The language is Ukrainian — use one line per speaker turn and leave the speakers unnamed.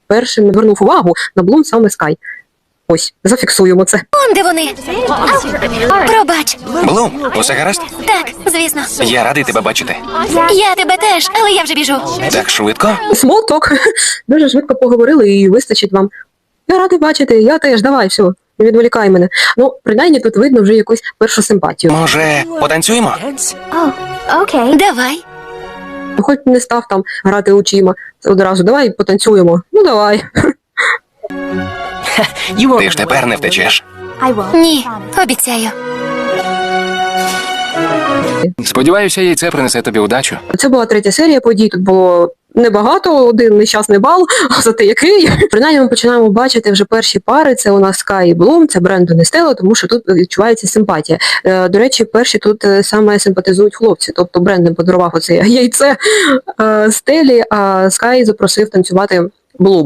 першим звернув увагу на Блум саме Скай. Ось, зафіксуємо це.
Он де вони? Пробач.
Блум, усе гаразд?
Так, звісно.
Я радий тебе бачити.
Я тебе теж, але я вже біжу.
Так швидко?
Смолток. Дуже швидко поговорили і вистачить вам. Я радий бачити, я теж, давай, все, не відволікай мене. Ну, принаймні тут видно вже якусь першу симпатію.
Може, потанцюємо?
Давай.
Хоч не став там грати очима одразу, давай потанцюємо. Ну, давай.
Ти ж тепер не втечеш.
Ні, обіцяю.
Сподіваюся, яйце принесе тобі удачу.
Це була третя серія подій, тут було небагато, один нещасний бал, зате який. Принаймні ми починаємо бачити вже перші пари, це у нас Скай і Блум, це Брендон і Стелла, тому що тут відчувається симпатія. До речі, перші тут саме симпатизують хлопці, тобто Брендон подарував оце яйце Стеллі, а Скай запросив танцювати Блум.